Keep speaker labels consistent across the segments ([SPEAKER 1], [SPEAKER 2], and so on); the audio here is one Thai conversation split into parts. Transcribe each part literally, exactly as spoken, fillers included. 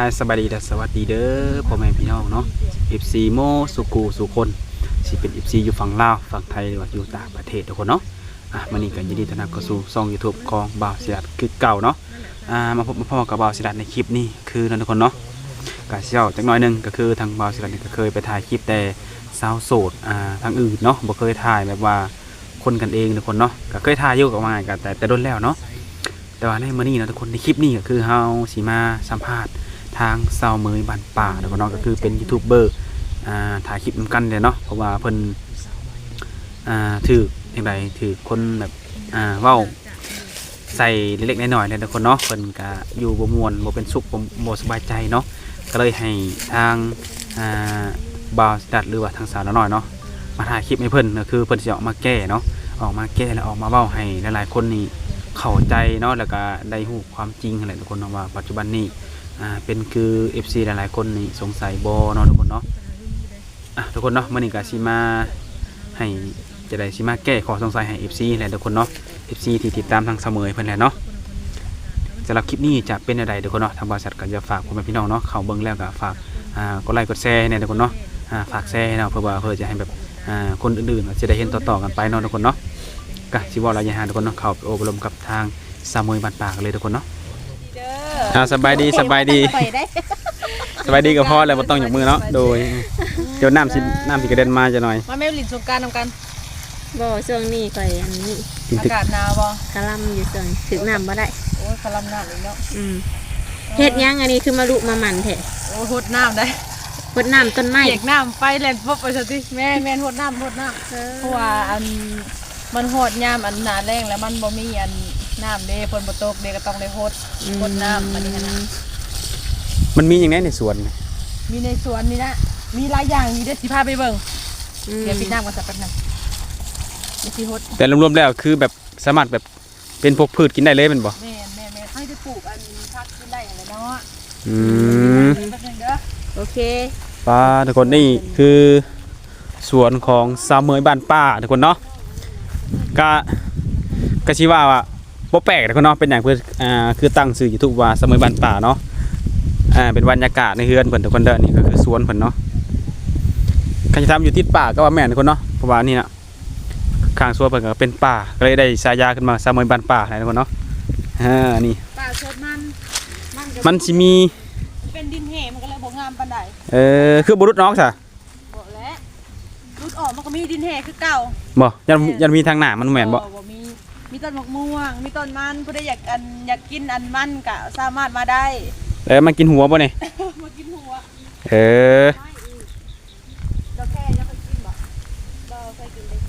[SPEAKER 1] ายสบายดีและสวัสดีเด้อพ่อแม่พี่น้องเนาะ เอฟ ซี โมสุกูสุคนสิเป็น เอฟ ซี อยู่ฝั่งลาวฝั่งไทยหรือว่าอยู่ต่างประเทศทุกคนเนาะอ่ะมื้อนี้ก็ยินดีต้อนรับเข้าสู่ช่อง YouTube ของบ่าวศิรัตคือเก่าเนาะอ่ามาพบมาพ่อกับบ่าวศิรัตในคลิปนี้คือนั่นทุกคนเนาะก็สิเว้าจักหน่อยนึงก็คือทางบ่าวศิรัตนี่ก็เคยไปถ่ายคลิปแต่สาวโสดอ่าทางอื่นเนาะบ่เคยถ่ายแบบว่าคนกันเองทุกคนเนาะก็เคยถ่ายอยู่กับมากันแต่แต่โดนแล้วเนาะแต่ว่าในมื้อนี้นะทุกคนในคลิปนี้ก็คือเฮาสิมาสัมภาษณ์ทางสาวเมยบ้านป่าทุกคนเนาะก็คือเป็นยูทูบเบอร์อ่าถ่ายคลิปนำกันเลยเนาะเพราะว่าเพิ่นอ่าถืออย่างไรถือคนแบบอ่าเว้าใส่เล็กๆน้อยๆเลยทุกคนเนาะเพิ่นก็อยู่บ่ม่วนบ่เป็นสุขบ่บ่สบายใจเนาะก็เลยให้ทางอ่าบ่าวดัดหรือว่าทางสาวน้อยเนาะมาถ่ายคลิปให้เพิ่นก็คือเพิ่นสิออกมาแก้เนาะออกมาแก้แล้วออกมาเว้าให้หลายๆคนนี่เข้าใจเนาะแล้วก็ได้รู้ความจริงอะไรทุกคนเนาะว่าปัจจุบันนี้อ่าเป็นคือ เอฟ ซี หลายๆคนนี่สงสัยบ่เนาะทุกคนเนาะอ่ะทุกคนเนาะมื้อนี้ก็สิมาให้จะได้สิมาแก้ข้อสงสัยให้ เอฟ ซี แหละทุกคนเนาะ เอฟ ซี ที่ติดตามทางเสมอเพิ่นแหละเนาะสำหรับคลิปนี้จะเป็นอะไรทุกคนเนาะทางบริษัทก็จะฝากพ่อแม่พี่น้องเนาะเข้าเบิ่งแล้วก็ฝากอ่ากดไลค์กดแชร์เนี่ยทุกคนเนาะอ่าฝากแชร์เนาะเพื่อว่าเพื่อจะให้แบบอ่าคนอื่นๆจะได้เห็นต่อๆกันไปเนาะทุกคนเนาะก็สิว่าระยะห่างทุกคนเนาะเข้าไปอบรมกับทางสามวยบ้านป่ากันเลยทุกคนเนาะอ่าสบายดีสบายดีสบายดีกับพ่อแล้วบ่ต้องยกมือเนาะโดยเดี๋ยวน้ำสิน้ำสิกระเด็นมาจะหน่อย
[SPEAKER 2] มาแม่ลิ้นสงกรานต์นำกัน
[SPEAKER 3] บ่ช่วงนี้ก่อยอันนี้
[SPEAKER 2] อากาศหนาวบ่
[SPEAKER 3] กะลำอยู่ส่วนถึงน้ำบ่ได้
[SPEAKER 2] โอ้ยกะลำน้ำเลยเนาะ
[SPEAKER 3] อืมเฮ็ดยังอันนี้คือมาลุมาหมันแท้
[SPEAKER 2] โอ้ยหดน้ำได้
[SPEAKER 3] หดน้ำต้นไม้
[SPEAKER 2] เปียกน้ำไฟแล่นปุ๊บไปซะติแม่แม่นหดน้ำหดน้ำเพราะว่าอันมันหดยามอันหนาแรงแล้วมันบ่มีอันน้ำเด้ฝนบ่ตกเด้ก็ต้องได้หดหดน้ำอันนี้นะ
[SPEAKER 1] มันมีอย่างไรในสวน
[SPEAKER 2] มีในสวนนี่นะมีหลายอย่างมีเด้สิพาไปเบิ่งเดี๋ยวปิดน้ำกันสักแป๊บนึง
[SPEAKER 1] แต่รวมๆแล้วคือแบบสามารถแบบเป็นพวกพืชกินได้เลยเป็นบ่
[SPEAKER 2] แม่แม่แม่ให้จะปลูกอันพักกินได้อะไรเนาะ
[SPEAKER 1] อืม
[SPEAKER 3] โอเค
[SPEAKER 1] ป้าทุกคนนี่คือสวนของสาวเมยบ้านป้าทุกคนเนาะก็ก็ชี้ว่าว่าบ่แปลกทุกคนเนาะเป็นอย่างเพื่ออ่าคือตั้งชื่อยูทูบว่าสาวเมยบ้านป่าเนาะอ่าเป็นบรรยากาศในเฮือนเพิ่นทุกคนเด้อนี่ก็คือสวนเพิ่นเนาะใครจะทำอยู่ติดป่าก็ว่าแม่นทุกคนเนาะเพราะว่านี่นะข้างสวนเพิ่นก็เป็นป่าก็เลยได้ฉายาขึ้นมาสาวเมยบ้านป่าทุกคนเนาะอ่านี่
[SPEAKER 2] ป่าสดมัน
[SPEAKER 1] มันสิมี
[SPEAKER 2] เป็นดินแห้งมันก็เลยบ่งามปานใด
[SPEAKER 1] เออคือบ่รุดน้องซะ
[SPEAKER 2] บ่แล้วรุดออกมันก็มีดินแห้งคือเก่า
[SPEAKER 1] บ่ยันยันมีทางหน้ามันแม่นบ่
[SPEAKER 2] บ่มีมีต้นมะม่วงมีต้นมันผู้ใดอยากอันอยากกินอันมันก็สามารถมาได้
[SPEAKER 1] เออมันกินหัวบ่นี่
[SPEAKER 2] มากินหัว
[SPEAKER 1] เออ
[SPEAKER 2] เราแค่ยังไปกินบ่เราเคยกินได้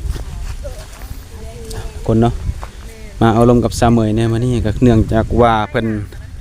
[SPEAKER 1] คนเนาะมาเอาลมกับสาวเมยเนี่ยมานี่ก็เนื่องจากว่าเพิ่น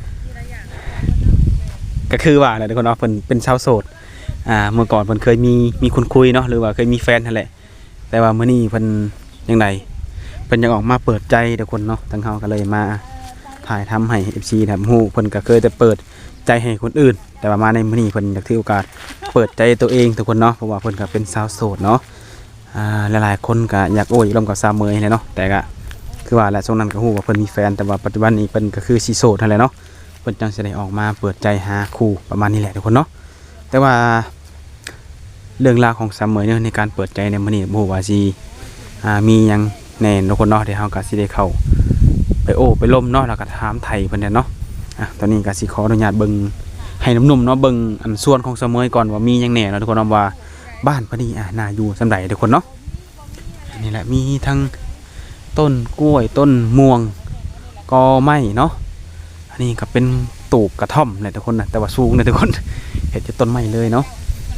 [SPEAKER 1] ก็คือว่าเนี่ยทุกคนเนาะเพิ่นเป็นชาวโสดอ่าเมื่อก่อนเพิ่นเคยมีมีคนคุยเนาะหรือว่าเคยมีแฟนนั่นแหละแต่ว่ามื้อนี้เพิ่นยังไงเพิ่นยังออกมาเปิดใจทุกคนเนาะทั้งเฮาก็เลยมาถ่ายทำให้ เอฟ ซี แบบฮู้เพิ่นก็เคยแต่เปิดใจให้คนอื่นแต่ว่ามาในมื้อนี้เพิ่นอยากถือโอกาสเปิดใจตัวเองทุกคนเนาะเพราะว่าเพิ่นก็เป็นสาวโสดเนาะอ่าหลายๆคนก็อยากโอ้ยร่วมกับสาวเมยแหละเนาะแต่ก็คือว่าแหละช่วงนั้นก็ฮู้ว่าเพิ่นมีแฟนแต่ว่าปัจจุบันนี้เพิ่นก็คือสิโสดนั่นแหละเนาะเพิ่นจังสิได้ออกมาเปิดใจหาคู่ประมาณนี้แหละทุกคนเนาะแต่ว่าเรื่องราวของสาวเมยเนี่ยในการเปิดใจในมื้อนี้บ่ฮู้ว่าสิอ่ามีหยังแน่ทุกคนเนาะเดี๋ยวเฮาก็สิได้เข้าไปโอ้ไปล้มเนาะแล้วก็ถามไทยเพิ่นเนาะอ่ะตอนนี้ก็สิขออนุญาตเบิ่งให้หนุ่มๆเนาะเบิ่งอันส่วนของสาวเมยก่อนว่ามีหยังแน่เนาะทุกคนเนาะว่าบ้านเพิ่นนี่อ่ะน่าอยู่ซำใดทุกคนเนาะนี่แหละมีทั้งต้นกล้วยต้นม่วงกอไม้เนาะอันนี้ก็เป็นตูบกระท่อมเลยทุกคนนะแต่ว่าสูงเลยทุกคนเห็นจะต้นไม้เลยเนาะ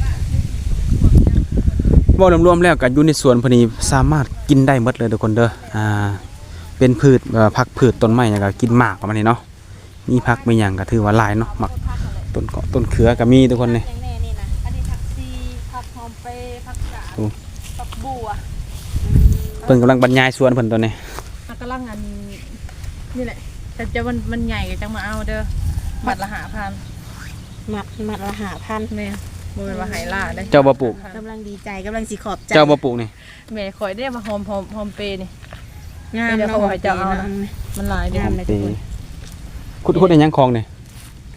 [SPEAKER 1] ว่ารวมๆแล้วกันอยู่ในสวนพอดีสามารถกินได้หมดเลยทุกคนเด้ออ่าเป็นพืชผักพืชต้นไม้อย่างก็กินหมากประมาณนี้เนาะมีผักไม่อย่างก็ถือว่าหลายเนาะหมักต้นเกาะต้นเขือก็มีทุกคนเลยเพิ่นกำลังบรรยายสวนเพิ่นตัวนี้
[SPEAKER 2] กำลังอันนี่แหละแต่จะมันมันใหญ่จังมาเอาเด้อมัดละหาพัน
[SPEAKER 3] มัดมัดละหาพัน
[SPEAKER 2] เนี่ยบ่เป็นว่าไหล่าได้
[SPEAKER 1] เจ้าบ่ปลูก
[SPEAKER 3] กำลังดีใจกำลังสิขอบใจ
[SPEAKER 1] เจ้าบ่ปลูกนี่
[SPEAKER 2] แม่ข่อยได้มาหอมหอมหอมเปนี่
[SPEAKER 3] งาม
[SPEAKER 2] เนาะเจ้าเอามันหลายเด้อ
[SPEAKER 1] ขุดขุดในยังคลองนี่
[SPEAKER 3] ค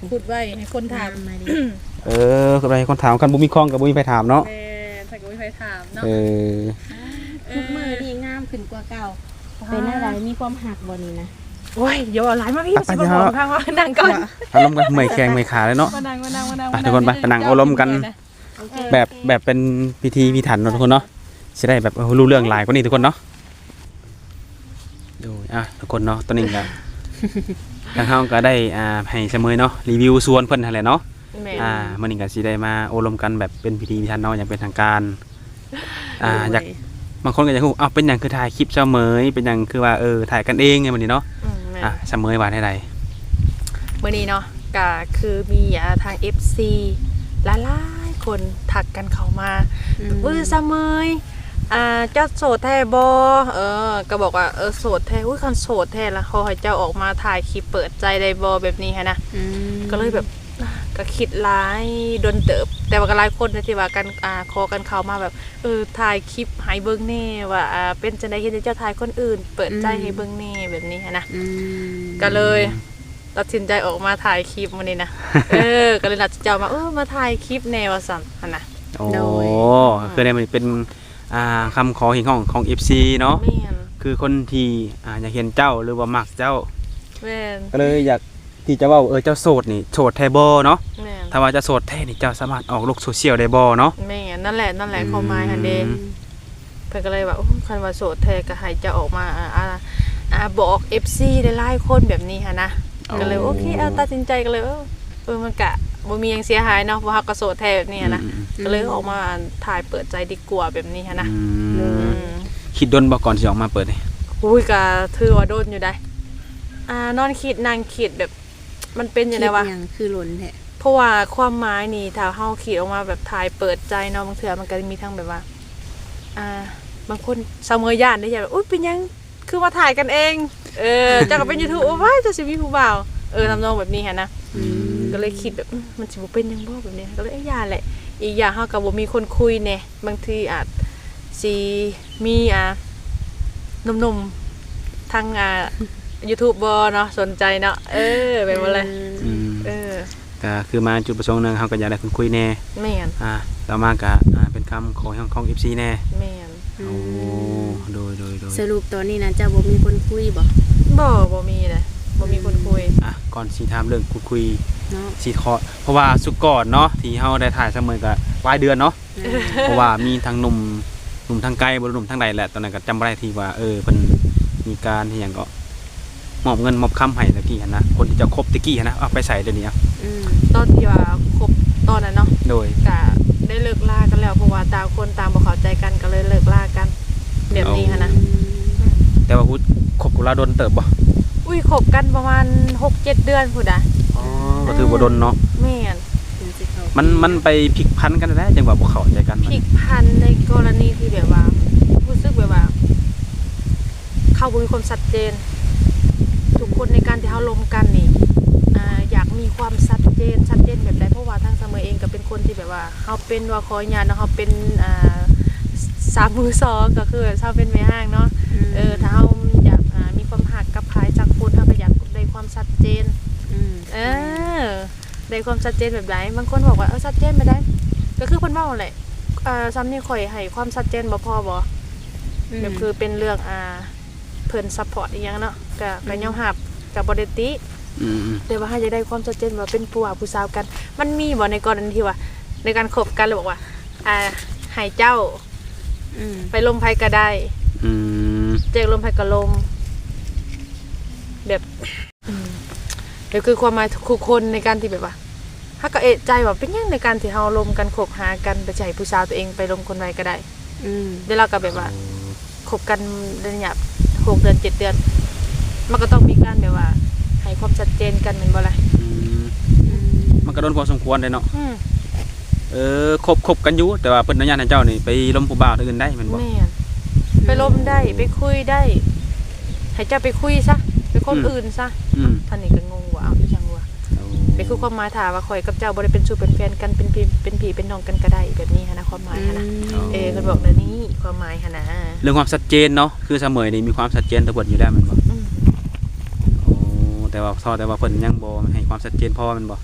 [SPEAKER 2] ขุดไว้ให้คนถาม
[SPEAKER 3] มาดิ
[SPEAKER 1] เออก็ไปคนถามกันบ่มีคล้องกับบ่มีไปถามเนาะ
[SPEAKER 2] แม่ถ้าก็ไม่ใครถามเนาะ
[SPEAKER 1] เออ
[SPEAKER 3] ทุกมือนี่งามขึ้นกว่าเก่าเป็นอะไรมีความหักบ่นี่นะ
[SPEAKER 2] โอ้ยอย่าเอาหลายมาพี่สิบ่บอกพังว่านั่งก่อน
[SPEAKER 1] อารมณ์กันเมื่อยแข้งเมื่อยขาเลยเนาะ
[SPEAKER 2] มานั่งมานั่งมานั่ง
[SPEAKER 1] ไปทุกคนไปไปนั่งเอารมณ์กัน
[SPEAKER 3] โอเค
[SPEAKER 1] แบบแบบเป็นพิธีพิถันเนาะทุกคนเนาะสิได้แบบเออรู้เรื่องหลายกว่านี้ทุกคนเนาะดูอ่ะทุกคนเนาะตอนนี้ก็ ทางเฮาก็ได้อ่าให้เสมอเนาะรีวิวสวนเพิ่นนั่นแหละเนาะ
[SPEAKER 2] แม่
[SPEAKER 1] อ่ามื้อนี้ก็สิได้มาโอลมกันแบบเป็นพิธีพิถันเนาะอย่างเป็นทางการอ่าอยากบางคนก็อยากรู้อ้าวเป็นหยังคือถ่ายคลิปเสมอเป็นหยังคือว่าเออถ่ายกันเองไงมื้อนี้เนาะ
[SPEAKER 2] อืมแม่
[SPEAKER 1] อ่ะเสมอว่าได้ใด
[SPEAKER 2] มื้อนี้เนาะก็คือมีอ่าทาง เอฟ ซี หลายๆคนทักกันเข้ามาอุ้ยเสมออ่าเจ้าโสดแท้บ่เออก็บอกว่าเออโสดแท้อุ้ยคันโสดแท้แล้วเขาให้เจ้าออกมาถ่ายคลิปเปิดใจได้บ่แบบนี้ฮะนะ
[SPEAKER 3] อืม
[SPEAKER 2] ก็เลยแบบก็คิดร้ายโดนเติบ แต่ว่าก็หลายคนนะที่ว่ากันอ่าคอกันเข้ามาแบบเออถ่ายคลิปให้เบิ่งแน่ว่าอ่าเป็นจังได๋เฮ็ดให้เจ้าถ่ายคนอื่น เปิดใจให้เบิ่งแน่แบบนี้ฮะนะ
[SPEAKER 3] อืม
[SPEAKER 2] ก็เลยตัดสินใจออกมาถ่ายคลิปมื้อนี้นะ เออก็เลยนัดเจ้ามาเออมาถ่ายคลิปแนวว่าซั่นหั่นน่ะ
[SPEAKER 1] โอ้คือได้มันเป็นอ่าคำขอเห็นของของ เอฟ ซี เนาะ
[SPEAKER 2] แม่น
[SPEAKER 1] คือคนที่อ่าอยากเห็นเจ้าหรือว่ามักเจ้า
[SPEAKER 2] แม่น
[SPEAKER 1] ก็เลยอยากที่จะเว่าเออเจ้าโสดนี่โสดแท้บ่เนาะ
[SPEAKER 2] แม่น
[SPEAKER 1] ถ้าว่าจะโสดแท้นี่เจ้าสามารถออกโลกโซเชียลได้บ่เนาะ
[SPEAKER 2] แม่นนั่นแหละนั่นแหละความหมายหั่นเด้
[SPEAKER 1] อืม
[SPEAKER 2] เพิ่นก็เลยว่าโอ้คันว่าโสดแท้ก็ให้เจ้าออกมาอ่าอ่าอ่าบอก เอฟ ซี ได้หลายคนแบบนี้หั่นนะ ก็เลยโอเคเอาตัดสินใจก็เลยเออเออมันกะบ่มีหยังเสียหายเนาะเพราะเฮาก็โสดแท้แบบนี้นะ
[SPEAKER 1] อืม
[SPEAKER 2] ก็เลยออกมาถ่ายเปิดใจดีกว่าแบบนี้ฮะนะ
[SPEAKER 1] อื
[SPEAKER 2] อื
[SPEAKER 1] ม
[SPEAKER 2] ม
[SPEAKER 1] คิดดนบ่ก่อนสิออกมาเปิดนี่
[SPEAKER 2] อุ้ยก็ถือว่าโดนอยู่ได้อ่านอนคิดนั่งคิดแบบมันเป็นจังได๋วะ
[SPEAKER 3] คิหยังคือหล่นแท้
[SPEAKER 2] เพราะว่าความหมายนี่ถ้าเฮาคิดออกมาแบบถ่ายเปิดใจเนาะบางเทื่อมันก็มีทั้งแบบว่าอ่าบางคนเสมอย่านได้อย่างแบบอุ๊ยเป็นหยังคือมาถ่ายกันเองเออเจ้าก็เป็น YouTube โอ้ยเจ้าสิมีผู้บ่าวเออทำนองแบบนี้ฮะนะ
[SPEAKER 3] อืม
[SPEAKER 2] ก็เลยคิดแบบอืมมันสิบ่เป็นหยังบ่แบบนี้ก็เลยเอ้ยอย่าแหละ อีกอย่างเฮาก็บ่มีคนคุยแน่บางทีอาจสิมีอ่าหนุ่มๆทางอ่า YouTube บ่เนาะสนใจเนาะเออเป็นบ่เลย
[SPEAKER 1] อืม
[SPEAKER 2] เออ
[SPEAKER 1] ก็คือมาจุดประสงค์หนึงเฮาก็อยากได้คนคุยแน่
[SPEAKER 2] แม่น
[SPEAKER 1] อ่าต่อมาก็อ่าเป็นคำขอของของ เอฟ ซี แน่
[SPEAKER 2] แม่น
[SPEAKER 1] โอ้โดยโดยโดย
[SPEAKER 3] สรุปตอนนี้นะเจ้าบ่มีคนคุยบ่
[SPEAKER 2] บ่บ่มีเลยบ่มีคนคุย
[SPEAKER 1] อ่ะก่อนสิถามเรื่องคุยคุย
[SPEAKER 3] เนาะ
[SPEAKER 1] สิขอเพราะว่าสุกก่อนเนาะที่เฮาได้ถ่ายเสมอก็ปลายเดือนเนาะ เพราะว่ามีทั้งหนุ่มหนุ่มทางไกลบ่หนุ่มทางใดแหละตอนนั้นก็จำบ่ได้ที่ว่าเออเพิ่นมีการที่หยังก็มอบเงินมอบคำให้ตะกี้หั่นนะคนที่จะคบตะกี้หั่นนะเอาไปใส่เดี๋ยวนี้อะ
[SPEAKER 3] อืม
[SPEAKER 2] ตอนที่ว่าคบตอนนั้นเนาะ
[SPEAKER 1] โดย
[SPEAKER 2] ก็ได้เลิกลากันแล้วเพราะว่าต่างคนต่างบ่เข้าใจกันก็เลยเลิกลากันแบบนี้หันนะ
[SPEAKER 1] แต่ว่าฮู้คบกุลาดนเติบบ่
[SPEAKER 2] อุ้ยคบกันประมาณ หกเจ็ด เดือนพุ่นน่ะ
[SPEAKER 1] อ๋อก็ถือบ่ดนเนาะ
[SPEAKER 2] แม่น
[SPEAKER 3] ถึงสิเข้า
[SPEAKER 1] มันมันไปพลิกพันกันแล้วจังว่าบ่เข้าใจกัน
[SPEAKER 2] พลิกพันในกรณีที่แบบว่ารู้สึกแบบว่า เขาบ่มีความชัดเจน ทุกคนในการที่เฮาลมกันนี่อ่าอยากมีความชัดเจนชัดเจนแบบใดเพราะว่าทางเสมอเองก็เป็นคนที่แบบว่าเฮาเป็นว่าขออนุญาตเนาะเฮาเป็นอ่าสามมือสองก็คือเฮาเป็นแม่ห้างเนาะเออถ้าเฮาอยากอ่ามีความหักกับภายจากคนเฮาก็อยากได้ความชัดเจน
[SPEAKER 3] ม
[SPEAKER 2] เออได้ความชัดเจนแบบไหนบางคนบอกว่าเออชัดเจนไม่ได้ ก็คือเพิ่นเว้าแหละเอ่อซ้ำนี่ข่อยให้ความชัดเจนบ่พอบ่แบบคือเป็นเรื่องอ่าเพิ่นซัพพอร์ตอีหยังเนาะก็ก็ยอมรับก็บ่ได้ติ
[SPEAKER 1] อืม
[SPEAKER 2] แต่ว่าถ้าจะได้ความชัดเจนว่าเป็นผู้ว่าผู้สาวกัน มันมีบ่ในกรณีที่ว่า ในการคบกันเลยบอกว่าอ่าให้เจ้า
[SPEAKER 3] อืม
[SPEAKER 2] ไปลมไผก็ได้
[SPEAKER 1] อืม
[SPEAKER 2] เจอลมไผก็ลมแบบอืมเดี๋ยวคือความหมายทุกคนในการที่แบบว่าถ้าก็เอะใจว่าเป็นหยังในการที่เฮาลมกันคบหากันไปใจผู้สาวตัวเองไปลมคนไว้ก็ได้
[SPEAKER 3] อืม
[SPEAKER 2] เดี๋ยวเราก็แบบว่าคบกันระยะหกเดือนเจ็ดเดือน มันก็ต้องมีการแบบว่าให้ความชัดเจนกันแม่นบ่ล่ะ
[SPEAKER 1] อืม
[SPEAKER 3] อืม
[SPEAKER 1] มันก็โดนพอสมควรเลยเนาะ
[SPEAKER 2] อืม
[SPEAKER 1] เออคบคบกันอยู่แต่ว่าเพิ่นอนุญาตให้เจ้านี่ไปล้มผู้บ่าวอื่นได้แม่นบ่
[SPEAKER 2] แม่นไปลมได้ไปคุยได้ ให้เจ้าไปคุยซะไปคนอื่นซะ
[SPEAKER 1] อืม
[SPEAKER 2] ท่านนี่ก็งงว่าเอาอีหยังวะไปคือความหมายถามว่าข่อยกับเจ้าบ่ได้เป็นชู้เป็นแฟนกันเป็นพี่เป็นพี่เป็นน้องกันก็ได้แบบนี้หันนะความหมายหันนะเออเพิ่นบอกแบบนี้ความหมายหันนะ
[SPEAKER 1] เรื่องความชัดเจนเนาะคือเสมอนี่มีความชัดเจนตะเบิดอยู่แล้วแม่นบ่
[SPEAKER 2] อืม
[SPEAKER 1] โอ้แต่ว่าทอแต่ว่าเพิ่นยังบ่ให้ความชัดเจนพอแม่นบ่
[SPEAKER 2] อื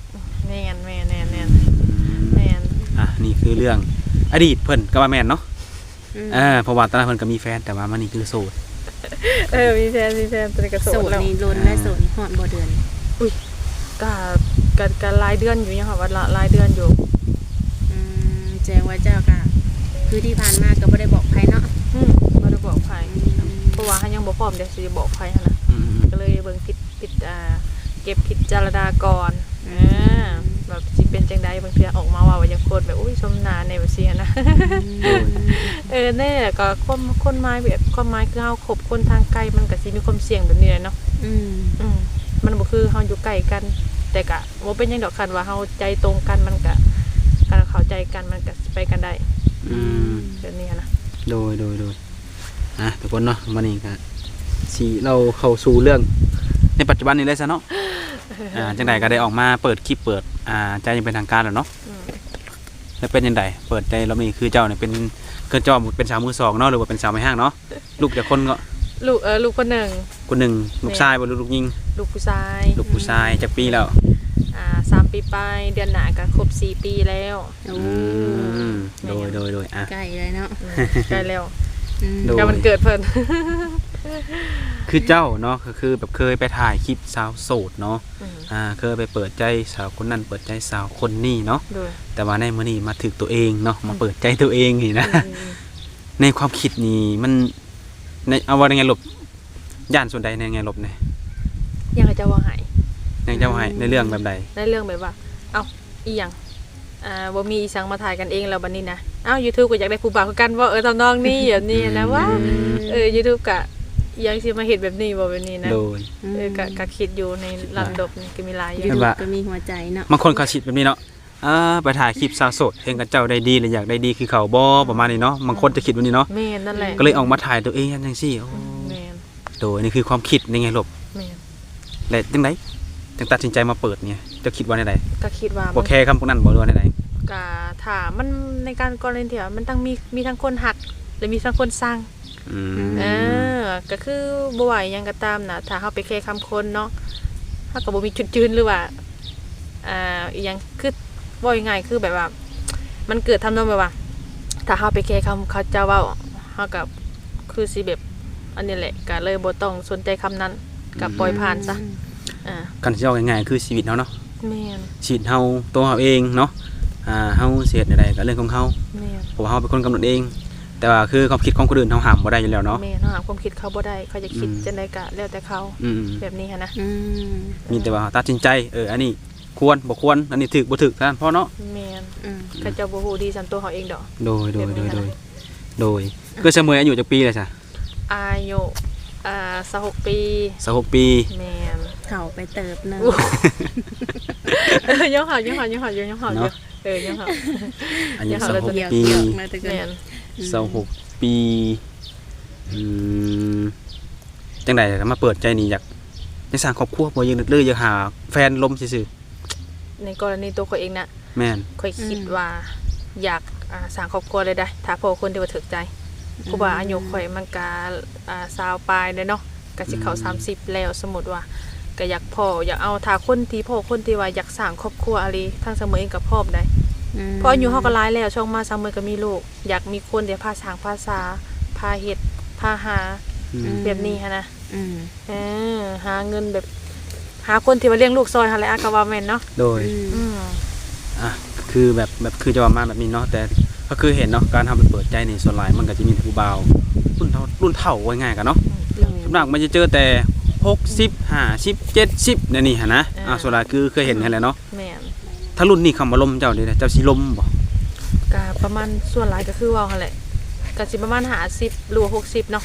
[SPEAKER 2] แม่นแม่นแม่นแม่นแม่น
[SPEAKER 1] อ่ะนี่คือเรื่องอดีตเพิ่นก็ว่าแม่นเนาะ
[SPEAKER 3] อืม
[SPEAKER 1] เออเพราะว่าตอนนั้นเพิ่นก็มีแฟนแต่ว่ามันนี่คือโสด
[SPEAKER 2] เออมีแฟนมีแฟนตอนนี้ก็โส
[SPEAKER 3] โส
[SPEAKER 2] ด
[SPEAKER 3] ด
[SPEAKER 2] แล้ว
[SPEAKER 3] นี่ล้นได้โสดนี่ฮอดบ่เดือน
[SPEAKER 2] ก็ก็ก็รายเดือนอยู่ยังค่ะว่าละรายเดือนอยู่
[SPEAKER 3] อืมแจ้งว่าเจ้าก็คือที่ผ่านมาก็บ่ได้บอกใครเนาะ
[SPEAKER 2] อืมบ่ได้บอกไผเพราะว่าเฮายังบ่พร้อมเดี๋ยวสิบอกไผหั่นน่ะ
[SPEAKER 1] อืม
[SPEAKER 2] ก็เลยเบิ่งผิดผิดอ่าเก็บผิดจารณาก่อนอ่าแบบสิเป็นจังไดบางเทื่อออกมาว่าว่ายังโคตรแบบอุ้ยสมนาในว่าซี่หั้นนะ เออแน่ก็คนคนหมายแบบความหมายคือเฮาคบคนทางไกลมันก็สิมีความเสี่ยงแบบนี้แหละเนาะ
[SPEAKER 3] อืม
[SPEAKER 2] อืมมันบ่คือเฮาอยู่ใกล้กัน แต่ก็บ่เป็นหยังดอกคันว่าเฮาใจตรงกันมันก็การเข้าใจกันมันก็ไปกันได้
[SPEAKER 1] อืม
[SPEAKER 2] แบบนี้หั้นนะ
[SPEAKER 1] โดยโดยโดยอ่ะทุกคนเนาะวันนี้ก็สิเราเข้าสู่เรื่องในปัจจุบันนี้เลยซะเนาะอ่าจังไดก็ได้ออกมาเปิดคลิปเปิดอ่าใจอยังเป็นทางการแล้วเนาะ
[SPEAKER 2] อืม
[SPEAKER 1] แล้วเป็นยังไงเปิดใจเรามีคือเจ้าเนี่ยเป็นเกินจอมเป็นสาวมือสองเนาะหรือว่าเป็นสาวไม่ห้างเนาะลูกจากคนก็
[SPEAKER 2] ลูกเออลูกคนหนึ่ง
[SPEAKER 1] คนหนึ่งลูกชายบ่ลูกยิง
[SPEAKER 2] ลูกผู้ชาย
[SPEAKER 1] ลูกผู้ชายจากปีแล้ว
[SPEAKER 2] อ่าสามปีไปเดือนหน้าก็ครบสี่ปีแล้ว
[SPEAKER 3] โอ้
[SPEAKER 1] อืมโดยโดยโดยอ่ะ
[SPEAKER 3] ใกล้เลยเนาะ
[SPEAKER 2] อืมใกล้แล้ว
[SPEAKER 3] อืม
[SPEAKER 1] โดย
[SPEAKER 2] ก็มันเกิดเพิ่น
[SPEAKER 1] คือเจ้าเนาะก็คือแบบเคยไปถ่ายคลิปสาวโสดเนาะ
[SPEAKER 2] อืม
[SPEAKER 1] อ่าเคยไปเปิดใจสาวคนนั้นเปิดใจสาวคนนี้เนาะ
[SPEAKER 2] โดย
[SPEAKER 1] แต่ว่าในมื้อนี้มาถึกตัวเองเนาะมาเปิดใจตัวเองนี่นะ
[SPEAKER 2] อืม
[SPEAKER 1] ในความคิดนี่มันในเอาว่าในไงหลบย่านส่วนใดในไงหลบเนี่ย
[SPEAKER 2] ยังก็จะว่าหาย
[SPEAKER 1] ยังเจ้าให้ในเรื่องแบบใด
[SPEAKER 2] ในเรื่องแบบว่า เอ้าอีหยังอ่าบ่มีอีสังมาถ่ายกันเองแล้วบัดนี้นะเอ้า YouTube ก็อยากได้ผู้บ่าวคือกันว่าเออทำนองนี้แบบนี้นะว่าเออ YouTube ก็อีหยังสิมาเฮ็ดแบบนี้บ่แบบนี้นะ
[SPEAKER 1] โดย
[SPEAKER 2] เออก็ก็คิดอยู่ในลำดับนี่ก็มีหลายอ
[SPEAKER 3] ยู
[SPEAKER 2] ยู่
[SPEAKER 3] ทูบ
[SPEAKER 1] ว่า
[SPEAKER 3] ก็มีหัวใจเนาะ
[SPEAKER 1] บางคนเขาคิดแบบนี้เนาะอ่าไปถ่ายคลิปสาวโสดเห็นกับเจ้าได้ดีเลยอยากได้ดีคือเขาบ่ประมาณนี้เนาะบางคนจะคิดแบบนี้เนาะ
[SPEAKER 2] แม่นนั่นแหละ
[SPEAKER 1] ก็เลยออกมาถ่ายตัวเองจังซี่โอ้
[SPEAKER 2] แม่น
[SPEAKER 1] โดยนี่คือความคิดในไงหลบ
[SPEAKER 2] แม่น
[SPEAKER 1] และจังไดจังตัดสินใจมาเปิดเนี่ยเจะคิดว่าในใด
[SPEAKER 2] ก็คิดว่า
[SPEAKER 1] บ่
[SPEAKER 2] มัน
[SPEAKER 1] แค่คำพวกนั้นบ่รู้ว่าในใด
[SPEAKER 2] ก็ถ้ามันในการกรณีที่ว่ามันต้องมีมีทั้งคนหักและมีทั้งคนสร้าง
[SPEAKER 1] อืม
[SPEAKER 2] เออก็คือบ่ว่าหยังก็ตามนะถ้าเฮาไปแค่คำคนเนาะเฮาก็บ่มีจุดยืนหรือว่าอ่าอีหยังคือบ่ยังไงายๆคือแบบว่า มันเกิดทำนองแบบว่า ถ้าเฮาไปแค่คำเขาเจ้าเว้าเฮาก็คือสิแบบอันนี้แหละก็เลยบ่ต้องสนใจคำนั้นก็ปล่อยผ่านซะอ่า
[SPEAKER 1] กันสิเอาง่ายๆคือชีวิตเฮาเนาะ
[SPEAKER 2] แม่น
[SPEAKER 1] ชีวิตเฮาตัวเฮาเองเนาะอ่าเฮาสิเฮ็ดใดๆก็เรื่องของเฮา
[SPEAKER 2] แม่น
[SPEAKER 1] เพราะว่าเฮาเป็นคนกำหนดเอง แต่ว่าคือความคิดของคนอื่นเฮาห้ามบ่ได้อยู่แล้วเนาะ
[SPEAKER 2] แม่นเฮาหาความคิดเขาบ่ได้เขาจะคิด
[SPEAKER 1] อืม
[SPEAKER 2] จังไดก็แล้วแต่เขา
[SPEAKER 1] อืม
[SPEAKER 2] แบบนี้หันนะ
[SPEAKER 3] อืม
[SPEAKER 1] มีแต่ว่าตัดสินใจเอออันนี้ควรบ่ควรอันนี้ถูกบ่ถูกเท่านั้นพอเนาะ
[SPEAKER 2] แม่น
[SPEAKER 3] อืม
[SPEAKER 2] เขาเจ้าบ่ฮู้ดีสำตัวเขาเองดอก
[SPEAKER 1] โดยโดย
[SPEAKER 2] แบบ
[SPEAKER 1] โด
[SPEAKER 2] นี้
[SPEAKER 1] ย
[SPEAKER 2] นะ
[SPEAKER 1] โดยโดยคือเสมออายุจักปีเลยจ้ะ
[SPEAKER 2] อายุอ่าสิบหกปี
[SPEAKER 1] สิบหกปี
[SPEAKER 2] แม่น
[SPEAKER 3] เฒ่าไปเติบหนึง
[SPEAKER 2] เออยังหายังหายังหาอยู่ยังหาอยู่เออยังหา
[SPEAKER 1] อายุ
[SPEAKER 2] อย่าหา
[SPEAKER 1] สิบ
[SPEAKER 2] เลย
[SPEAKER 1] หก
[SPEAKER 3] เกี่ยว
[SPEAKER 1] ปี
[SPEAKER 3] เกี่ยวมาแตะกัน
[SPEAKER 2] แม่น
[SPEAKER 1] สิบหกปีอืมจังได๋ก็มาเปิดใจนี่อยากจะสร้างครอบครัวบ่อยังนึกเลยอยากหาแฟนลมซื่อ
[SPEAKER 2] ในกรณีตัวเขาเองนะ
[SPEAKER 1] ๆแม่น
[SPEAKER 2] ค่อยคิดว่าอยากอ่าสร้างครอบครัวเลยได้ ถ้าพอคนที่ว่าถึกใจเพราะว่าอายุข่อยมันก็อ่าสาวปลายเลยเนาะก็สิเข้าสามสิบแล้วสมมุติว่าก็อยากพ่ออยากเอาถ้าคนที่พ่อคนที่ว่าอยากสร้างครอบครัวอะไรทั้งเสมอเองกับพ่อมได้
[SPEAKER 3] ม
[SPEAKER 2] เพราะอายุเฮาก็หลายแล้วช่องมาสามมื้อก็มีลูกอยากมีคนเดี๋ยวพาสร้างภาษาพาเฮ็ดพาหา
[SPEAKER 1] อืม
[SPEAKER 2] แบบนี้หันนะ
[SPEAKER 3] อืม
[SPEAKER 2] เออหาเงินแบบ หาคนที่มาเลี้ยงลูกซอยหั่นแหละอะก็ว่าแม่นเนาะ
[SPEAKER 1] โดย
[SPEAKER 3] อืม
[SPEAKER 2] อืม
[SPEAKER 1] อ่ะคือแบบแบบคือจะว่ามาแบบนี้เนาะแต่ก็คือเห็นเนาะการทำไปเปิดใจนี่ส่วนหลายมันก็จะมีแต่ผู้บ่าวรุ่นเท่ารุ่นเท่าไว้ง่ายกันเนาะ
[SPEAKER 3] เลย
[SPEAKER 1] สำหรับมันจะเจอแต่หกสิบ ห้าสิบ เจ็ดสิบเนี่ยนี่ฮะนะอ่าส่วนหลายคือเคยเห็นกันแหละเนาะ
[SPEAKER 2] แม่น
[SPEAKER 1] ถ้ารุ่นนี้คำว่าลมเจ้านี่นะเจ้าสิลมบ่
[SPEAKER 2] ก็ประมาณส่วนหลายก็คือว่าหั่นแหละก็สิประมาณห้าสิบหรือว่าหกสิบเนาะ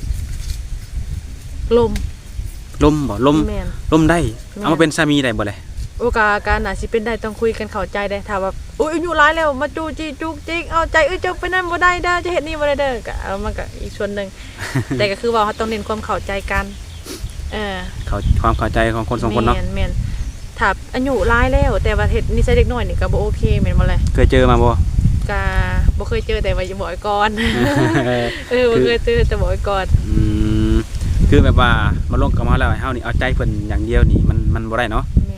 [SPEAKER 2] ลม
[SPEAKER 1] ลมบ่ลม
[SPEAKER 2] แม่น
[SPEAKER 1] ลมได้
[SPEAKER 2] แม่น
[SPEAKER 1] เอามาเป็นสามีได้บ่เลย
[SPEAKER 2] โอกาสการน่ะสิเป็นได้ต้องคุยกันเข้าใจได้ถ้าว่าอุ้ยอายุหลายแล้วมาจูจีจุกจิกเอาใจเอ้ยเจ้าไปนั่นบ่ได้เด้อจะเฮ็ดนี่บ่ได้เด้อก็เอามันก็อีกส่วนหนึง แต่ก็คือว่าเขาต้องเน้นความเข้าใจกันเออ
[SPEAKER 1] เขาความเข้าใจของคนสองคนเนาะ
[SPEAKER 2] แม่นแม่นถ้าอายุหลายแล้วแต่ว่าเฮ็ดนิสัยเด็กน้อยนี่ก็บ่โอเคแม่นบ่เลย
[SPEAKER 1] เคยเจอมาบ่
[SPEAKER 2] ก็บ่เคยเจอแต่ว่าอย่าบอกไว้ก่อน เออบ่เคยเจอแต่บอกไว้ก่อน
[SPEAKER 1] อืมคือแบบว่ามาลงกับมาแล้วให้เฮานี่เอาใจเพิ่นอย่างเดียวนี่มันมันบ่ได้เนาะ
[SPEAKER 2] แม่น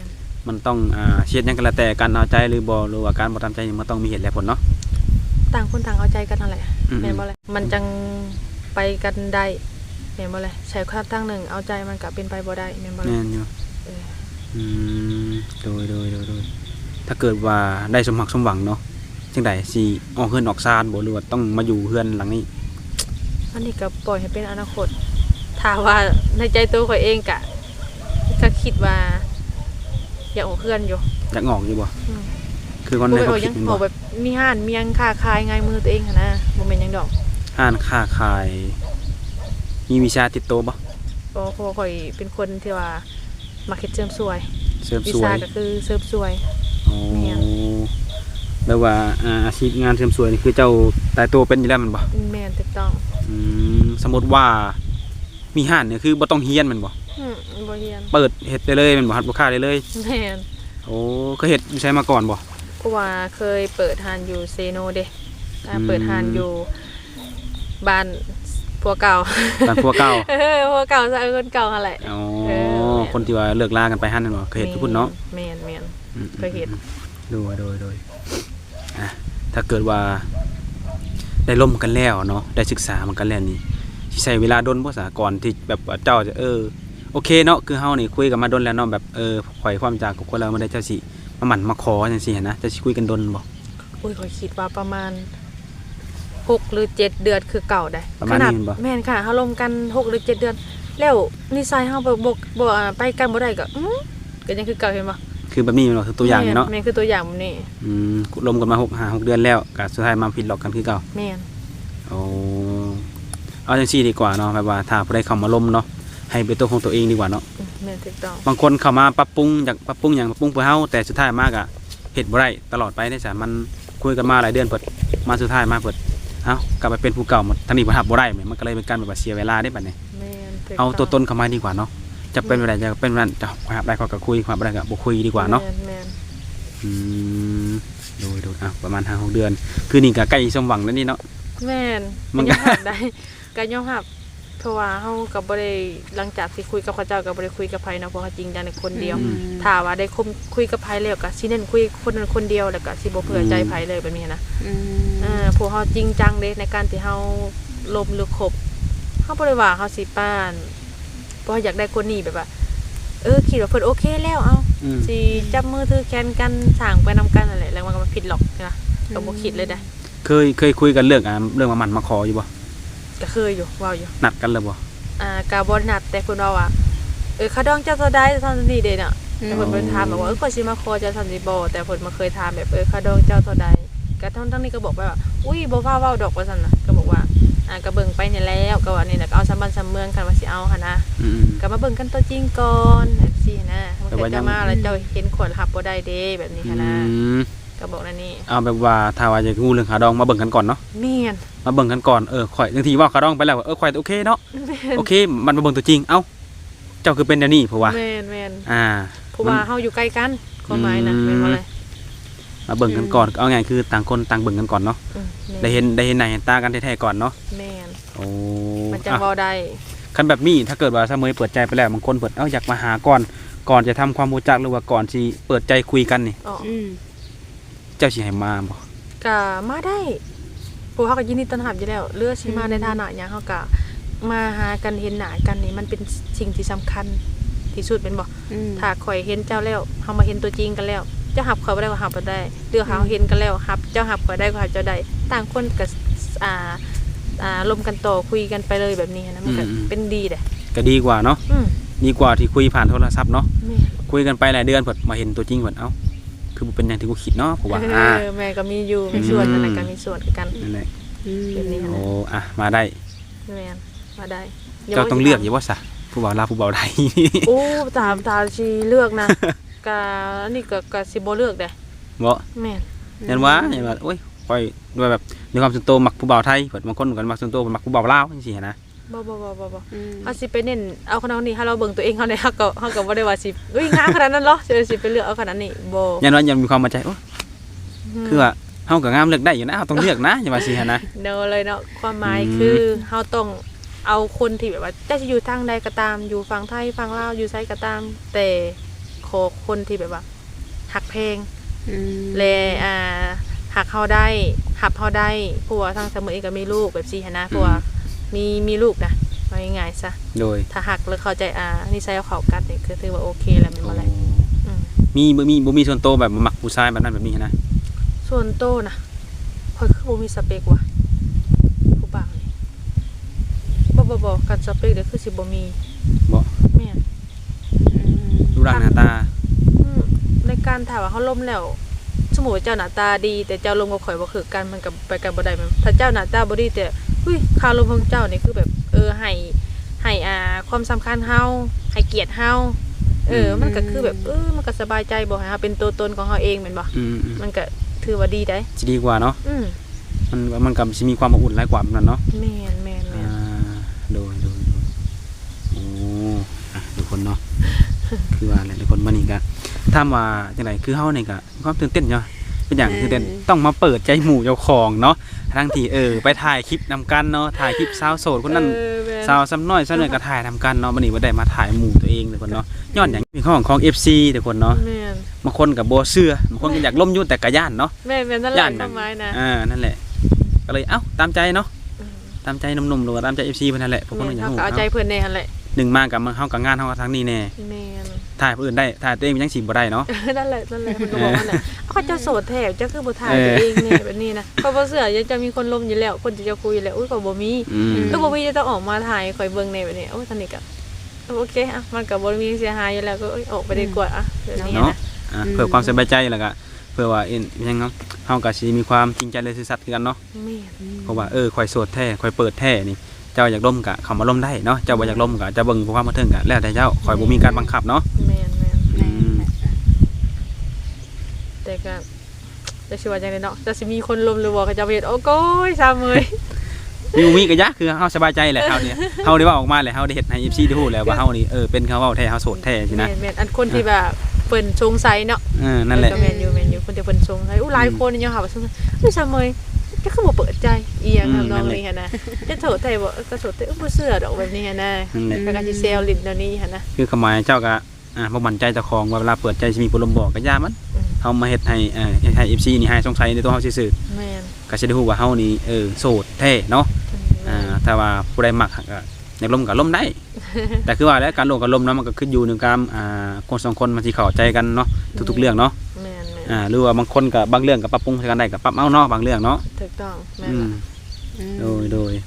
[SPEAKER 1] มันต้องอ่าเช็ดหยังก็แล้วแต่การเอาใจหรือบ่หรือว่าการบ่ตามใจนี่มันต้องมีเหตุและผลเนาะ
[SPEAKER 2] ต่างคนต่างเอาใจกันนั่นแหละ
[SPEAKER 1] อืม
[SPEAKER 2] แม่นบ่เลยมันจังไปกันได้แม่นบ่เลยใช้ความตั้งหนึ่งเอาใจมันก็เป็นไปบ่ได้แม่นบ่เลย
[SPEAKER 1] แม่นอยู่
[SPEAKER 2] เออ
[SPEAKER 1] อืมโดยโดยโดยโดยถ้าเกิดว่าได้สมหวังสมหวังเนาะจังไดสิออกเฮือนออกซานบ่หรือว่าต้องมาอยู่เฮือนหลังนี้
[SPEAKER 2] อันนี้ก็ปล่อยให้เป็นอนาคตถ้าว่าในใจตัวข่อยเองก็ก็คิดว่าอยากออกเพื่อนอยู่
[SPEAKER 1] อยากงอกอยู่บ่
[SPEAKER 2] อืม
[SPEAKER 1] คือคน
[SPEAKER 2] บ่
[SPEAKER 1] ใน
[SPEAKER 2] ไป
[SPEAKER 1] ค
[SPEAKER 2] อ
[SPEAKER 1] วา
[SPEAKER 2] อ
[SPEAKER 1] ม
[SPEAKER 2] ก
[SPEAKER 1] คิ
[SPEAKER 2] ยั
[SPEAKER 1] ด
[SPEAKER 2] ง
[SPEAKER 1] แม่น
[SPEAKER 2] อ
[SPEAKER 1] บ่
[SPEAKER 2] อกแบบมีห้านมียังค้าขายง่ายมือตัวเองหั้นนะบ่แม่นหยังดอก
[SPEAKER 1] ห้านค้าขาย มีวิชาติดตัวบ่
[SPEAKER 2] เพราะเพราะว่าข่อยเป็นคนที่ว่ามักเฮ็ดเสริมสวย
[SPEAKER 1] เสริม
[SPEAKER 2] วิ
[SPEAKER 1] สว
[SPEAKER 2] ชาย ก็คือเสริมสวย
[SPEAKER 1] โอ้
[SPEAKER 2] แม่น
[SPEAKER 1] แปลว่าอ่าอาชีพงานเสริมสวยนี่คือเจ้าตายตัวเป็นอยู่แล้วแมันบ่
[SPEAKER 2] แม่นถูกต้อง
[SPEAKER 1] อืมสมมุติว่ามีห้านเนี่ยคือบ่ต้องเฮียนแมันบ่
[SPEAKER 2] อืมบ่เรียน
[SPEAKER 1] เปิดเฮ็ดได้เลยแมันบ่ฮัดลูกค้าได้เลย
[SPEAKER 2] แม่น
[SPEAKER 1] โอ้เคยเฮ็ดอยู่ใช้มาก่อนบ่
[SPEAKER 2] เพราะว่าเคยเปิดหานอยู่เซโนเด้อ่า
[SPEAKER 1] อืม
[SPEAKER 2] เปิดหานอยู่บ้านผัวเก่า
[SPEAKER 1] บ้านผัวเก่า
[SPEAKER 2] เออผัวเก่าซะคนเก่าหั่นแหละ
[SPEAKER 1] อ๋อ
[SPEAKER 2] เออ
[SPEAKER 1] คนที่ว่าเลิกลากันไปหั่นนั่นบ่เคยเฮ็ดทุกคนเนาะ
[SPEAKER 2] แม่นแม่น
[SPEAKER 1] อืม
[SPEAKER 2] เคยเฮ็ด
[SPEAKER 1] โดยโดยโดยอ่ะถ้าเกิดว่าได้ร่วมกันแล้วเนาะได้ศึกษามันกันแล้วนี่สิใช้เวลาดนบ่ซะก่อนที่แบบว่าเจ้าจะเออโอเคเนาะคือเฮานี่คุยกันมาดนแล้วเนาะแบบเออข่อยความจากกับคนเราบ่ได้เจ้าสิมาหมั่นมาขอจังซี่หันนะจะสิคุยกันดนบ่
[SPEAKER 2] อุ้ยข่อยคิดว่าประมาณหกหรือเจ็ดเดือนคือเก่าได้
[SPEAKER 1] ประมาณ
[SPEAKER 2] ขนาด
[SPEAKER 1] นี้บ่
[SPEAKER 2] แม่นค่ะเฮาลมกันหกหรือเจ็ดเดือน แล้วนิสัยเฮาบ่บ่บ่อ่าไปกันบ่ได้ก็อื้อก็ยังคือเก่าเห็นบ่
[SPEAKER 1] คือแบบนี้แม่นบ่คือตัวอย่างนี่เนาะ
[SPEAKER 2] แม่นคือตัวอย่างแบบนี้
[SPEAKER 1] อืมรวมกันมาหก ห้า หกเดือนแล้วก็สุดท้ายมาผิดหลอกกันคือเก่า
[SPEAKER 2] แม่น
[SPEAKER 1] โอ้เอาจังซี่ดีกว่าเนาะแบบว่าถ้าผู้ใดเข้ามาล้มเนาะให้เป็นตัวของตัวเองดีกว่าเนาะ
[SPEAKER 2] อืมแม่นถูกต้อง
[SPEAKER 1] บางคนเข้ามาปรับปรุงอยากปรับปรุงหยังปรับปรุงเพื่อเฮาแต่สุดท้ายมากอะเฮ็ดบ่ได้ตลอดไปได้จ้ะมันคุยกันมาหลายเดือนเปิดมาสุดท้ายมาเปิดเอ้ากลับไปเป็นผู้เก่าหมดทั้งนี้บ่ทับบ่ได้แหมมันก็เลยเป็นการแบบว่าเสียเวลาได้บัดนี้
[SPEAKER 2] แม่นถูก
[SPEAKER 1] เอาตัวต
[SPEAKER 2] ง
[SPEAKER 1] นเข้ามาดีกว่าเนาะจะเป็นอะไรจะเป็นนั้นจะหาได้ก็คุยหาบ่ได้ก็บ่คุยดีกว่าเนาะ
[SPEAKER 2] แม่นแม่น
[SPEAKER 1] อืมโดยโดยอ่ะประมาณ ห้า หก เดือน คือนี่ก็ใกล้สมหวังแล้วนี่เนาะ
[SPEAKER 2] แม่น
[SPEAKER 1] มัน
[SPEAKER 2] ก็ยอมรับได้ก็ยอมรับเพราะว่าเฮาก็บ่ได้หลังจากที่คุยกับเขาเจ้าก็บ่ได้คุยกับไผเนาะเพราะว่าจริงจังในคนเดียว
[SPEAKER 1] อืม
[SPEAKER 2] ถ้าว่าได้คมคุยกับไผแล้วก็สิเน้นคุยคนนั้นคนเดียวแล้วก็สิบ่เผื่อใจไผเลยแบบนี้นะ
[SPEAKER 3] อืม
[SPEAKER 2] เออพวกเฮาจริงจังเด้ในการที่เฮาลมหรือคบเฮาบ่ได้ว่าเฮาสิป้านเพราะว่าอยากได้คนนี้แบบว่า เออคิดว่าเพิ่นโอเคแล้วเอา
[SPEAKER 1] อืม
[SPEAKER 2] สิจับมือถือแขนกันสร้างไปนำกันนั่นแหละแล้วมันก็บ่ผิดหรอกนะก็บ่คิดเลยได้
[SPEAKER 1] เคยเคยคุยกันเรื่องอ่ะเรื่องมาหมันมาขออยู่บ่
[SPEAKER 2] ก็เคยอยู่เว้าอยู่
[SPEAKER 1] นัดกันเลยบ่
[SPEAKER 2] อ่ากาบอนนัดแต่คุณว่าว่าเออเขาดองเจ้าตัวใดเท่านี้เด้เนาะแต่เพิ่นเพิ่นถามแบบว่าเออก็สิมาขอเจ้าทันสิบ่แต่เพิ่นมาเคยถามแบบเออเขาดองเจ้าตัวใดก็ทั้งทั้งนี้ก็บอกไปว่าอุ้ยบ่ฟ้าเว้าดอกว่าซั่นน่ะก็บอกว่าอ่าก็เบิ่งไปนี่แล้วก็ว่านี่แหละก็เอาสำบันสำเมืองกันว่าสิเอาหั่นนะ
[SPEAKER 1] อืม
[SPEAKER 2] ก็มาเบิ่งกันตัวจริงก่อนแบบซี่นะมัน
[SPEAKER 1] แต่
[SPEAKER 2] เกิ
[SPEAKER 1] ว่า
[SPEAKER 2] ด
[SPEAKER 1] ยั
[SPEAKER 2] จะ
[SPEAKER 1] ง
[SPEAKER 2] มาแล้วเจ้าเห็นขวดหับบ่ได้เด้แบบนี้
[SPEAKER 1] อื
[SPEAKER 2] หั่นนะ
[SPEAKER 1] ม
[SPEAKER 2] ก็บอกนั่นนี่
[SPEAKER 1] เอาแบบว่าถ้าว่าจะงูเรื่องขาดองมาเบิ่งกันก่อนเนาะ
[SPEAKER 2] แม่น
[SPEAKER 1] มาเบิ่งกันก่อนเออข่อยบางทีว่าขาดองไปแล้วเออข่อยโอเคเนาะโอเค มันมาเบิ่งตัวจริงเอ้าเจ้าคือเป็นแนวนี้เพราะว่า
[SPEAKER 2] แม่นแม่น
[SPEAKER 1] อ่า
[SPEAKER 2] เพราะว่าเฮาอยู่ใกล้กันความหมายนะ
[SPEAKER 1] อืม
[SPEAKER 2] แม่นบ่เลย
[SPEAKER 1] มาเบิ่งกันก่อนเอาไงคือต่างคนต่างเบิ่งกันก่อนเนาะ
[SPEAKER 2] อืมแม่น
[SPEAKER 1] ได้เห็นได้เห็นหน้าเห็นตากันแท้ๆก่อนเนาะ
[SPEAKER 2] แม่น
[SPEAKER 1] โอ้
[SPEAKER 2] มันจัง
[SPEAKER 1] อ่ะ
[SPEAKER 2] เว้าได้
[SPEAKER 1] คันแบบนี้ถ้าเกิดว่าเสมอเปิดใจไปแล้วบางคนเปิดเอ้าอยากมาหาก่อนก่อนจะทำความรู้จักหรือว่าก่อนที่เปิดใจคุยกันนี่
[SPEAKER 2] อ๋อ
[SPEAKER 3] อืม
[SPEAKER 1] เจ้าสิให้มาบ่
[SPEAKER 2] ก็มาได้พวกเขาก็ยินดีต้อนรับอยู่แล้วเลือกสิมาในฐานะหยังเขาก็มาหากันเห็นหน้ากันนี่มันเป็นสิ่งที่สำคัญที่สุดเป็นบ่
[SPEAKER 3] อืม
[SPEAKER 2] ถ้าข่อยเห็นเจ้าแล้วเฮามาเห็นตัวจริงกันแล้วเจ้าหับข่อยบ่ได้ก็หับบ่ได้เรือเขาเห็นกันแล้วหับเจ้าหับข่อยได้ก็หับเจ้าได้ต่างคนก็อ่าอ่าลมกันต่อคุยกันไปเลยแบบนี้นะมันก็เป็นดีเด้
[SPEAKER 1] ก็ดีกว่าเนาะ
[SPEAKER 2] อืม
[SPEAKER 1] ดีกว่าที่คุยผ่านโทรศัพท์เนาะ
[SPEAKER 2] แม่
[SPEAKER 1] คุยกันไปหลายเดือนเปิดมาเห็นตัวจริงเปิดเอ้าคือบ่เป็นอย่างที่กูคิดเนาะเพราะว่า
[SPEAKER 2] เอ
[SPEAKER 1] อ่า
[SPEAKER 2] อแม่ก็มีอยู่มีส่วนนั่นน่ะก็มีส่วนคือกัน
[SPEAKER 1] นั่นแหละ
[SPEAKER 3] อืม
[SPEAKER 2] แบบนี้
[SPEAKER 1] โอ้อ่ะมาได้
[SPEAKER 2] แม่นมาได้
[SPEAKER 1] เจ้าต้องเลือกอยู่ว่าซะผู้บ่าวลาวผู้บ่าวไทย
[SPEAKER 2] โอ้ตามตาชีเลือกนะ กะอันนี้ก็กะสิบ่เลือกเด้
[SPEAKER 1] บ่
[SPEAKER 2] แม่น
[SPEAKER 1] ยันว่ายันว่าโอ้ยค่อยด้วยแบบในความส่วนตัวมักผู้บ่าวไทยเปิดบางคนกันมักส่วนตัวมักผู้บ่าวลาวจังซี่หั้นนะ
[SPEAKER 2] บ่บ่บ่บ่บ่
[SPEAKER 3] อืม
[SPEAKER 2] เฮาสิไปเน้นเอาขนาดนี้ถ้าเราเบิ่งตัวเองเฮาได้เฮาก็เฮาก็บ่ได้ว่าสิอุ้ยงามขนาดนั้นเหรอสิสิไปเลือกเอาขนาดนี้บ่
[SPEAKER 1] ยันว่ายังมีความมั่นใจโอ้ยคือว่าเฮาก็งามเลือกได้อยู่นะเฮาต้องเลือกนะอย่าว่าสิหั้นนะ
[SPEAKER 2] เนอะเลยเนาะความหมาย
[SPEAKER 1] อืม
[SPEAKER 2] คือเฮาต้องเอาคนที่แบบว่าจะอยู่ทางใดก็ตามอยู่ฝั่งไทยฝั่งลาวอยู่ไสก็ตาม แต่ขอคนที่แบบว่าหักเพลง
[SPEAKER 3] อืม
[SPEAKER 2] และอ่าหักเฮาได้หับเฮาได้ผัวทางเสมอเองก็มีลูกแบบซี่หันนะผัวมีมีลูกนะว่าง่ายๆซะ
[SPEAKER 1] โดย
[SPEAKER 2] ถ้าหักแล้วเข้าใจอ่านิสัยเขากันนี่คือถือว่าโอเคแล้วแม่นบ่ล่ะอืม
[SPEAKER 1] มีบ่มีบ่มีส่วนโตวแบบมักผู้ชายแบบนั้นแบบนี้นะ
[SPEAKER 2] ส่วนโตนะข่อยคือบ่มีสเปคว่ะผู้บ่าวนี่บ่บ่บ่กันสเปคเด้อคือสิบ่มี
[SPEAKER 1] บ่
[SPEAKER 2] แม่น
[SPEAKER 3] อืม
[SPEAKER 1] รูปร่างหน้าตา
[SPEAKER 2] อืมในการถามว่าเขาล้มแล้วสมมุติว่าเจ้าหน้าตาดี แต่เจ้าลมกับข่อยบ่คือกันมันก็ไปกันบ่ได้แม่นถ้าเจ้าหน้าตาบ่ดีแต่อุ้ยค่าลมของเจ้านี่คือแบบเออให้ให้อ่าความสำคัญเฮาให้เกียรติเฮาเออมันก็คือแบบเออมันก็สบายใจบ่ให้เฮาเป็นตัวตนของเฮาเองแม่นบ่
[SPEAKER 1] อืม
[SPEAKER 2] มันก็ถือว่าดีได้
[SPEAKER 1] ๆสิดีกว่าเนาะ
[SPEAKER 2] อืม
[SPEAKER 1] มันมันก็สิมีความอบอุ่นหลายกว่าแบบนั้นเนาะ
[SPEAKER 2] แม่นแม่นแม่
[SPEAKER 1] อ่าน โดยโดยโดยโอ้อ่ะทุกคนเนาะ คือว่าอะไรทุกคนมานี่ก็ถามว่าจังไดคือเฮานี่ก็มีความตื่นเต้นเนาะเป็นอย่างตื่นเต้นต้องมาเปิดใจหมู่เจ้าของเนาะทั้งที่เออไปถ่ายคลิปนำกันเนาะถ่ายคลิปสาวโสดคนนั้น
[SPEAKER 2] เออแม่น
[SPEAKER 1] สาวซ้ำน้อยซ้ำน้อยก็ถ่ายทำกันเนาะวันนี้บ่ได้มาถ่ายหมู่ตัวเองทุกคนเนาะย้อนอย่างมีข้อของของ เอฟ ซี ทุกคนเนาะ
[SPEAKER 2] แม่น
[SPEAKER 1] บางคนก็บ่เชื่อบางคนก็อยากล้มอยู่แต่ก็ย่านเนาะ
[SPEAKER 2] แม่นแม่นนั่นแหละ
[SPEAKER 1] ย่าน
[SPEAKER 2] ความหมายนะ
[SPEAKER 1] อ่านั่นแหละก็เลยเอ้าตามใจเนาะ
[SPEAKER 2] อืม
[SPEAKER 1] ตามใจหนุ่มๆหรือว่าตามใจ เอฟ ซี เพิ่นนั่นแหละพวกคน
[SPEAKER 2] แม่น
[SPEAKER 1] อยาก
[SPEAKER 2] เฮา
[SPEAKER 1] รู้
[SPEAKER 2] ก็เอาใจ
[SPEAKER 1] เนาะ
[SPEAKER 2] เพิ่นแน่หั่นแหละ
[SPEAKER 1] หนึ่งมากับเฮากับงานเฮากับทางนี้แน่
[SPEAKER 2] แม่น
[SPEAKER 1] ถ่ายผู้อื่นได้ถ่ายตัวเองยังสิบ่ได้เนาะ
[SPEAKER 2] นั่นแหละนั่นแหละมันก็บอกว่าน่ะเขาเจะโสดแท้เจ้าคือบ่ถ่าย
[SPEAKER 1] เออ
[SPEAKER 2] ตัวเองแน่แบบนี้นะเพราะบ่เชื่อยังจะมีคนลมอยู่แล้ว คนที่จะคุยอยู่แล้วอุ้ยก็บ่มี
[SPEAKER 1] อืม
[SPEAKER 2] ก็บ่มีจะต้องออกมาถ่ายข่อยเบิ่งในแบบนี้โอ้ยสนิทก็โอเคอ่ะมันก็บ่มีเสียหายอยู่แล้วก็เอ้ยออกไปดีกว่าอ่ะแบบนี้
[SPEAKER 1] เนาะ
[SPEAKER 2] นะ
[SPEAKER 1] อ่าเพื่อความสบายใจแล้วก็เพื่อว่าเอ็นยังเนาะเฮาก็สิมีความจริงใจและซื่อสัตย์คือกันเนาะ
[SPEAKER 2] แม่น
[SPEAKER 1] เพราะว่าเออข่อยโสดแท้ข่อยเปิดแท้นี่เจ้าอยากล้มก็เข้ามาล้มได้เนาะเจ้าบ่อยากล้มก็จะเบิ่งความบันเทิงก็แล้วแต่เจ้าข่อยบ่มีการบังคับเนาะ
[SPEAKER 2] แม่นแม่น
[SPEAKER 1] อืม
[SPEAKER 2] แต่ก็จะสิว่าจังได๋เนาะจะสิมีคนลมหรือบ่เขาจะไปเฮ็ดโอ้โกยซาเมย
[SPEAKER 1] มีบ่มีก็ยะคือเฮาสบายใจแหละเฮาเนี่ยเฮาได้เว้าออกมาแหละเฮาได้เฮ็ดให้ เอฟ ซี ได้ฮู้แล้วว่าเฮานี่เออเป็นเขาเว้าแท้เฮาโสดแท้สินะ
[SPEAKER 2] แม่นแม่นอันคนที่แบบเพิ่นสงสัยเนาะ
[SPEAKER 1] เออนั่นแหละ
[SPEAKER 2] ก็แม่นอยู่แม่นอยู่คนที่เพิ่นสงสัยอู้หลายคนยังหาว่าสงสัยอุ้ยซาเมยจะคือบ่เปิดใจอีหยังทำนองนี้หั่นนะจะโสดแท้บ่ก็โสดแต่บ่เชื่อดอกแบบนี้หั่นนะ
[SPEAKER 1] นั่นแหละ
[SPEAKER 2] แล้วก็สิเซลลิ้นเดี๋ยวนี้หั่นนะ
[SPEAKER 1] คือคำหมายเจ้าก็อ่าบ่มั่นใจเจ้าของว่าเวลาเปิดใจสิมีผู้ลมบอกก็ย่ามัน
[SPEAKER 2] อืม
[SPEAKER 1] เฮามาเฮ็ดให้เอ่อให้ เอฟ ซี นี่ให้สงสัยในตัวเฮาซื่อ
[SPEAKER 2] แม่น
[SPEAKER 1] ๆก็สิได้ฮู้ว่าเฮานี่เออโสดแท้เนาะอ่าถ้าว่าผู้ใดมักก็อยากล้มก็ล้มได้ แต่คือว่าแล้วการลงกับล้มเนาะมันก็ขึ้นอยู่ในการอ่าคนสองคนมันสิเข้าใจกันเนาะทุกๆเรื่องเนาะ
[SPEAKER 2] แม่นแม่น
[SPEAKER 1] อ่าหรือว่าบางคนก็บางเรื่องก็ปรับปรุงใช้กันได้ก็ปรับเอาเนาะบางเรื่องเนาะ
[SPEAKER 2] ถูกต้องแม่น
[SPEAKER 1] อืม
[SPEAKER 2] ล่ะ
[SPEAKER 3] อืม
[SPEAKER 1] โดยโดย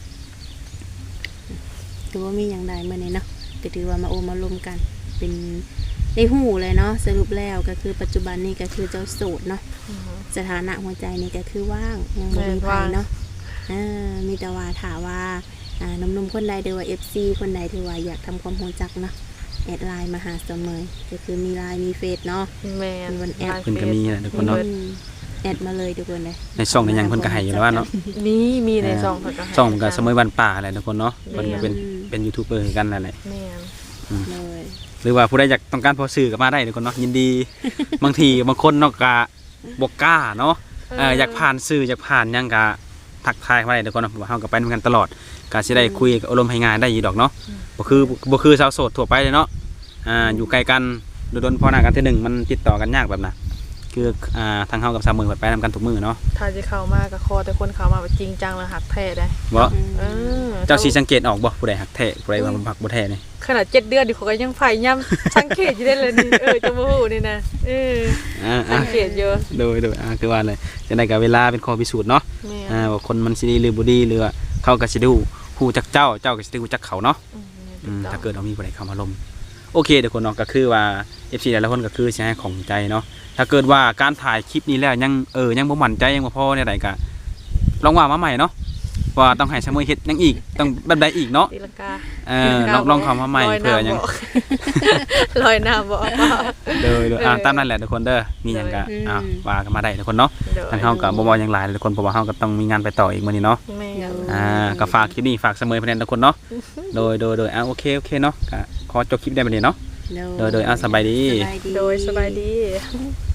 [SPEAKER 3] ถือว่ามีอย่างใดมื้อนี้เนาะก็ถือว่ามาโอมารวมกัน เป็นได้ฮู้เลยเนาะสรุปแล้วก็คือปัจจุบันนี้ก็คือเจ้าโสดเนาะ
[SPEAKER 2] อือฮึ
[SPEAKER 3] สถานะหัวใจนี่ก็คือว่างยังบ่มีไผเนาะอ่ามีแต่ว่าถามว่าอ่าหนุ่มๆคนใดหรือว่า เอฟ ซี คนใดที่ว่าอยากทำความรู้จักเนาะแอดไลน์มาหาเสมอก็คือมีไลน์มีเฟซเนาะ
[SPEAKER 2] แม่น
[SPEAKER 3] มีวันแอป
[SPEAKER 2] ไลน์
[SPEAKER 1] เพิ่นก็มีแหละทุกคน
[SPEAKER 2] เนาะ
[SPEAKER 1] เนาะ
[SPEAKER 3] อืมแอดมาเลยทุกคนเลย
[SPEAKER 1] ในช่องในหยังเพิ่นก็ให้อยู่แล้วว่าเนาะ
[SPEAKER 2] มีมีในซองเพิ่นก็ให้
[SPEAKER 1] ช่องก็เสมอวันป่าแหละทุกคนเนาะเพิ่นก็เป็น
[SPEAKER 3] อืม
[SPEAKER 1] เป็นยูทูบเบอร์คือกันนั่นแหละ
[SPEAKER 2] แม่น
[SPEAKER 3] เลย
[SPEAKER 1] หรือว่าผู้ใดอยากต้องการพอสื่อก็มาได้ทุกคนเนาะยินดี บางทีบางคนเนาะก็บ่กล้าเนาะเอออยากผ่านสื่ออยากผ่านหยังก็ทักทายมาได้ทุกคนเนาะเพราะว่าเฮาก็ไปนำกันตลอดก็สิได้คุยกับอารมณ์ให้งานได้อยู่ดอกเนาะบ่คือบ่คือสาวโสดทั่วไปเลยเนาะอ่าอยู่ไกลกันโดนๆพอหน้ากันเทื่อหนึงมันติดต่อกันยากแบบน่ะคืออ่าทางเฮากับสามมื้อไปนำกันทุกมื้อเนาะ
[SPEAKER 2] ถ้าสิเข้ามาก็ขอแต่คนเข้ามาแบบจริงจังแล้วหักแท้ได้
[SPEAKER 1] บ่
[SPEAKER 3] อืม
[SPEAKER 2] เออ
[SPEAKER 1] เจ้าสิสังเกตออกบ่ผู้ใดฮักแท้ผู้ใดว่าบ่ฮักบ่แท้นี่
[SPEAKER 2] ขนาดเจ็ดเดือนดิเขาก็ยังพยายามสังเกตอยู่ได้เลยนี่เออจะบ่ฮู้นี่นะเออ
[SPEAKER 1] อ่า
[SPEAKER 2] สังเกตอยู่
[SPEAKER 1] ๆโดยโดยอ่าคือว่าเลยจะได้กับเวลาเป็นข้อพิสูจน์เนาะ
[SPEAKER 2] แม่น
[SPEAKER 1] อ่าว่าคนมันสิดีหรือบ่ดีหรือว่าเขาก็สิได้ฮู้ฮู้จักเจ้าเจ้าก็สิได้ฮู้จักเขาเนาะ
[SPEAKER 2] อืม
[SPEAKER 1] อืม
[SPEAKER 2] ถู
[SPEAKER 1] ถ้า
[SPEAKER 2] ต้อง
[SPEAKER 1] เกิดเรามีผู้ใดเข้ามาลมโอเคเดี๋ยวคนเนาะก็คือว่า เอฟ ซี หลายๆคนก็คือสิให้ของใจเนาะถ้าเกิดว่าการถ่ายคลิปนี้แล้วยังเออยังบ่มั่นใจยังบ่พอเนี่ยใดก็ลองว่ามาใหม่เนาะว่าต้องให้เสมอเฮ็ดหยังอีกต้องแบบใดอีกเนาะ
[SPEAKER 2] ตีลังกา
[SPEAKER 1] เออลองลองเข้ามาใหม่
[SPEAKER 2] ลอย
[SPEAKER 1] เพื่อ
[SPEAKER 2] น้ำ
[SPEAKER 1] ยัง
[SPEAKER 2] บ่ลอยน้ำบ่
[SPEAKER 1] เด้อเด้ออ่าตามนั้นแหละทุกคนเด้อมีหยังก็อ่าว่ากันมาได้ทุกคนเนาะทางเฮาก็บ่บ่หยังหลายทุกคนเพราะว่าเฮาก็ต้องมีงานไปต่ออีกมื้อนี้เนาะ
[SPEAKER 2] แม่น
[SPEAKER 1] อ่าก็ฝากคลิปนี้ฝากเสมอเพื่อนทุกคนเนาะโดยโดยโดยอ่าโอเคโอเคเนาะก็ขอจบคลิปได้บัดนี้เนาะ โดยโดยอ่ะสบายดี
[SPEAKER 3] สบายดี
[SPEAKER 2] โดยสบายดี